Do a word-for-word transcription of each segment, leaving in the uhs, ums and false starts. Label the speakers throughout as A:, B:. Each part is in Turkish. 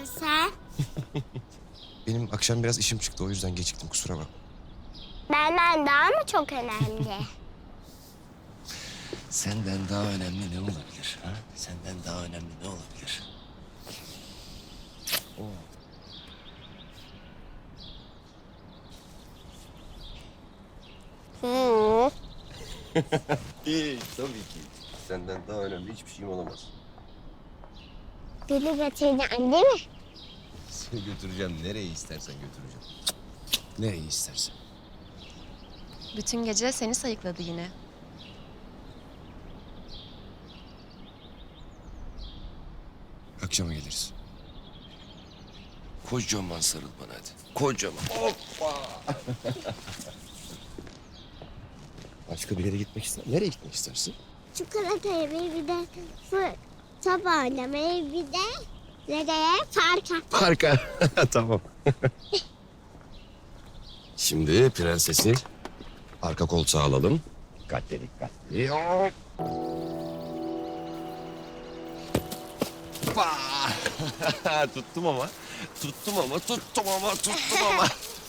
A: geldin sen?
B: Benim akşam biraz işim çıktı, o yüzden geciktim, kusura bakma.
A: Benden daha mı çok önemli?
B: Senden daha önemli ne olabilir? Ha? Senden daha önemli ne olabilir? Oo.
A: Hı.
B: İyi, tabii ki. Senden daha önemli hiçbir şeyim olamaz.
A: Beni götüreceksin değil mi?
B: Seni götüreceğim, nereye istersen götüreceğim. Nereye istersen.
C: Bütün gece seni sayıkladı yine.
B: Akşama geliriz. Kocaman sarıl bana hadi. Kocaman. Hoppa. Başka bir yere gitmek ister. Nereye gitmek istersin?
A: Çikolata yemeği bir de fır, top oynamayı bir de nereye? Parka.
B: Parka. Tamam. Şimdi prensesi arka koltuğa alalım. Dikkatli dikkatli. Hop. Hoppa. Tuttum ama. Tuttum ama, tuttum ama, tuttum ama.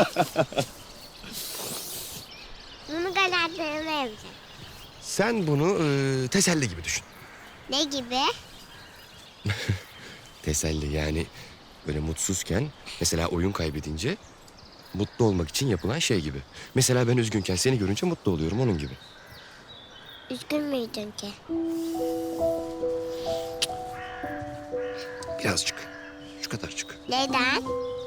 A: Bunu kanatlarına yapacağım.
B: Sen bunu e, teselli gibi düşün.
A: Ne gibi?
B: Teselli yani böyle mutsuzken mesela oyun kaybedince mutlu olmak için yapılan şey gibi. Mesela ben üzgünken seni görünce mutlu oluyorum onun gibi.
A: Üzgün müydün ki?
B: Birazcık. Şu kadarcık.
A: Neden?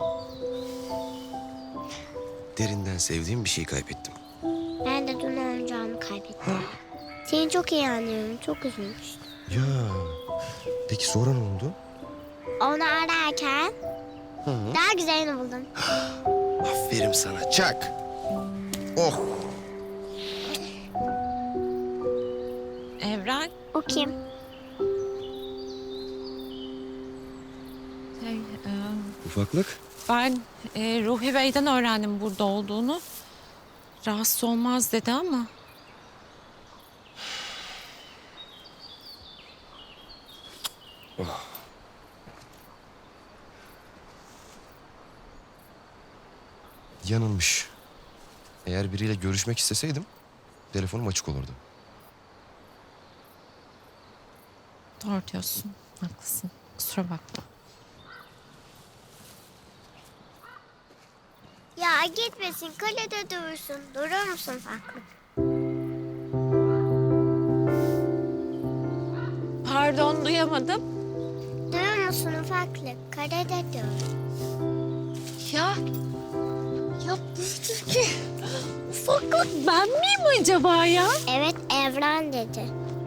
B: Derinden sevdiğim bir şey kaybettim.
A: Ben de dün oyuncağımı kaybettim. Seni çok iyi anlıyorum. Çok üzülmüştüm.
B: Ya peki sonra ne oldu?
A: Onu ararken
B: Hı hı.
A: daha güzelini buldum.
B: Aferin sana çak. Oh.
C: Evren,
A: O kim?
C: şey, e,
B: Ufaklık.
C: ben e, Ruhi Bey'den öğrendim burada olduğunu. Rahatsız olmaz dedi ama.
B: Yanılmış. Eğer biriyle görüşmek isteseydim telefonum açık olurdu.
C: Doğru diyorsun, haklısın. Kusura bakma.
A: Ya gitmesin. Kalede dursun. Durur musun Faklık?
C: Pardon, duyamadım.
A: Durur musun ufaklık? Kalede dur.
C: Ya, ya buradaki ufaklık ben miyim acaba ya?
A: Evet Evren dedi.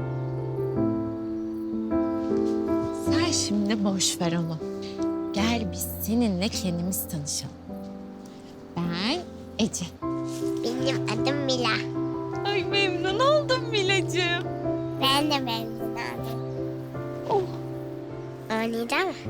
C: Sen şimdi boş ver onu. Gel biz seninle kendimiz tanışalım. Ben Ece.
A: Benim adım Mila.
C: Ay memnun oldum Milacığım.
A: Ben de memnun oldum.
C: Oh.
A: Oynayacak mı?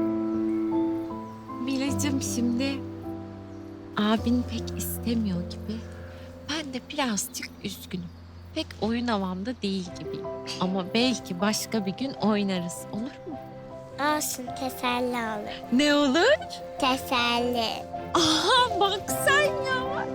C: Milacığım şimdi abin pek istemiyor gibi. Ben de birazcık üzgünüm. Pek oyun havamda değil gibiyim. Ama belki başka bir gün oynarız. Olur mu?
A: Olsun teselli olur.
C: Ne olur?
A: Teselli.
C: Aha bak sen ya.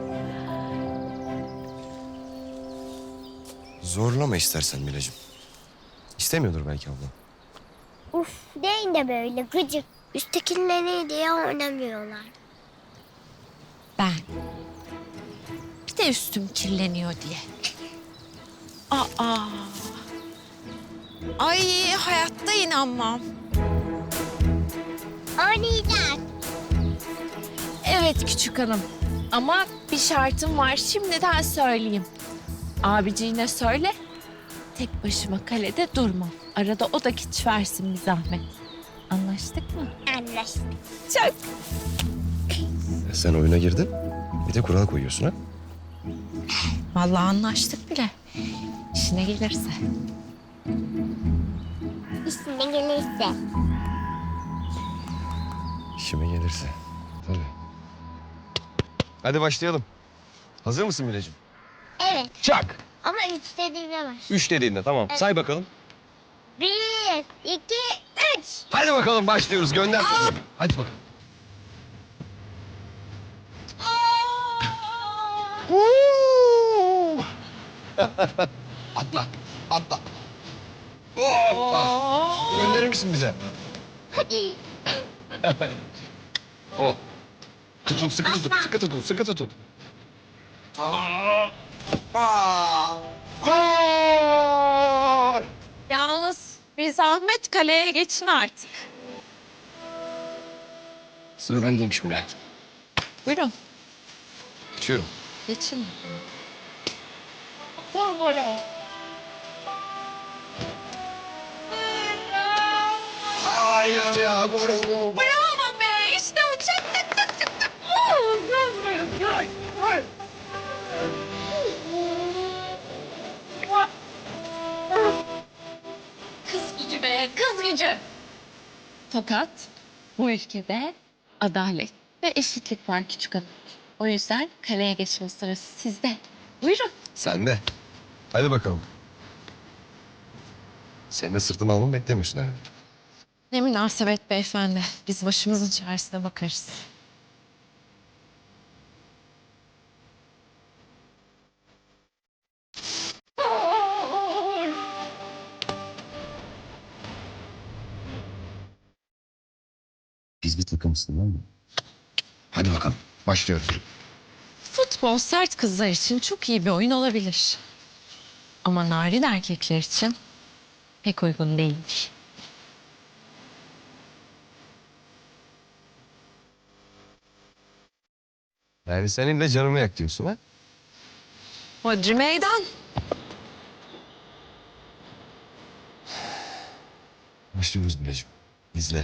B: Zorlama istersen Milacığım. İstemiyordur belki abla.
A: Uf deyin de böyle gıcık. Üsttekileri diye oynamıyorlar.
C: Ben. Bir de üstüm kirleniyor diye. Aa. Ay hayatta inanmam.
A: Oynayacak.
C: Evet küçük hanım. Ama bir şartım var. Şimdiden söyleyeyim. Abiciğine söyle. Tek başıma kalede durmam. Arada o da kiç versin bir zahmet. Anlaştık mı?
A: Anlaştık.
C: Çok.
B: Sen oyuna girdin. Bir de kural koyuyorsun ha.
C: Vallahi anlaştık bile. İşine gelirse.
A: İşine gelirse.
B: İşime gelirse. Tabii. Hadi başlayalım. Hazır mısın Milacığım?
A: Evet
B: Çak.
A: ama üç dediğine var.
B: Üç dediğinde tamam.
A: Evet.
B: Say bakalım.
A: Bir, iki,
C: Üç.
B: Hadi bakalım başlıyoruz. Gönder. Hadi bakalım. Huu! Atla. Atla. Hoppa. Gönderir misin bize? Oh. Tutun, sıkı tutun, sıkı tutun, sıkı tutun. Gol!
C: Yalnız bir zahmet kaleye geçin artık.
B: Sıra bendeymiş Bülent.
C: Buyurun.
B: Geçiyorum.
C: Geçin. Vur böyle.
B: Hayır ya, gol oldu.
C: Bravo be. İşte o çek tık tık tık tık. Kız gücü be, kız gücü. Fakat bu ülkede adalet ve eşitlik var küçük hanım. O yüzden kaleye geçme sırası sizde. Buyurun.
B: Sen de. Hadi bakalım. Sen de sırtıma almamı beklemiyorsun herhalde.
C: Ne münasebet beyefendi. Biz başımızın çaresine bakarız.
B: Biz bir takımsın değil mi? Hadi bakalım. Başlıyoruz.
C: Futbol sert kızlar için çok iyi bir oyun olabilir. Ama narin erkekler için pek uygun değilmiş.
B: Yani seninle canımı yak diyorsun ha?
C: Hodri meydan.
B: Başlıyoruz Bileciğim. İzle.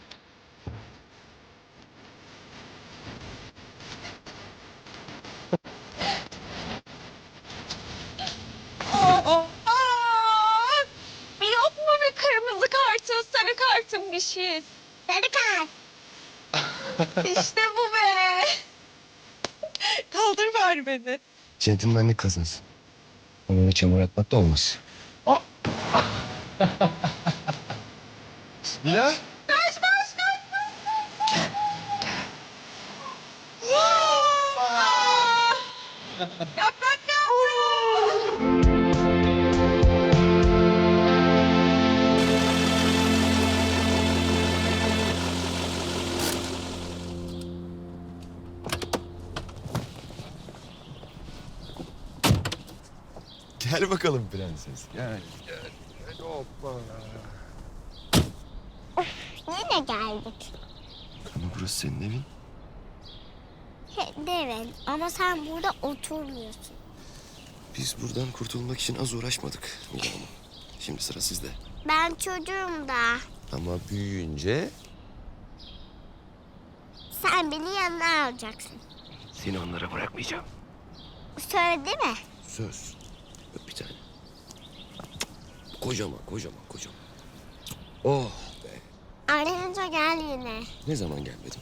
C: Aa, aa! Yok mu bir kırmızı kartın, sarı kartın bir şey?
A: Sarı kart.
C: İşte bu be. Kaldır ver beni.
B: Centilmenlik kazansın. Onu öyle çamur atmak da olmaz. Bilal.
C: Kaç kaç kaç. Yaprak yavrum.
B: Gel bakalım prenses. Gel gel. Gel hoppa.
A: Yine geldik.
B: Ama burası senin evin.
A: Evet ama sen burada oturmuyorsun.
B: Biz buradan kurtulmak için az uğraşmadık Mila Hanım. Şimdi sıra sizde.
A: Ben çocuğum da.
B: Ama büyüyünce
A: Sen beni yanına alacaksın.
B: seni onlara bırakmayacağım.
A: Söyledi mi?
B: Söz. Öp bir tane. Kocaman, kocaman, kocaman. Oh be.
A: Arayınca gel yine.
B: Ne zaman gelmedin?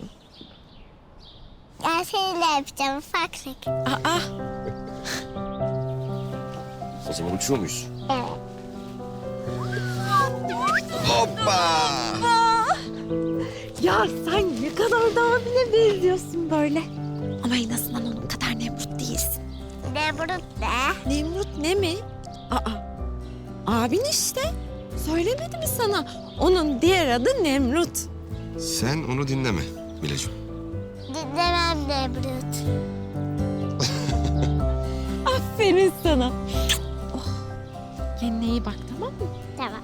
A: Gel seni de öpeceğim ufaklık.
C: Aa,
B: O zaman uçuyor muyuz?
A: Evet.
B: Hoppa!
C: ya sen ne kadar da abine benziyorsun böyle. Ama en azından onun kadar Nemrut değilsin.
A: Nemrut de.
D: Nemrut ne mi? Aa, abin işte. Söylemedi mi sana? Onun diğer adı Nemrut.
B: Sen onu dinleme Milacığım.
A: Dinlemem Nemrut.
D: Aferin sana. Oh, kendine iyi bak, tamam mı?
A: Tamam.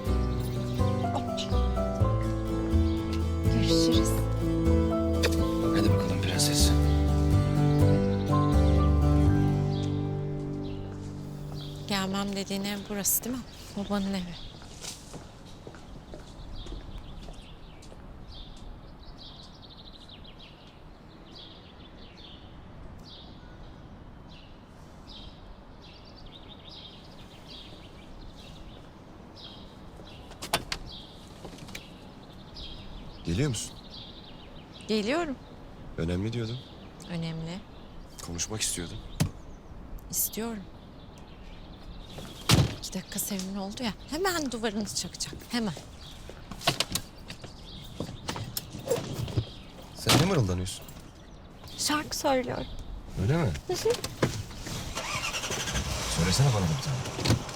D: Görüşürüz.
B: Hadi bakalım prenses.
D: Gelmem dediğin ev burası değil mi? Babanın evi.
B: Geliyor musun?
D: Geliyorum.
B: Önemli diyordum.
D: Önemli.
B: Konuşmak istiyordum.
D: İstiyorum. İki dakika sevimli oldu ya. Hemen duvarını çakacak. Hemen.
B: Sen ne mırıldanıyorsun?
D: Şarkı söylüyorum.
B: Öyle mi? Söylesene bana da bir tane.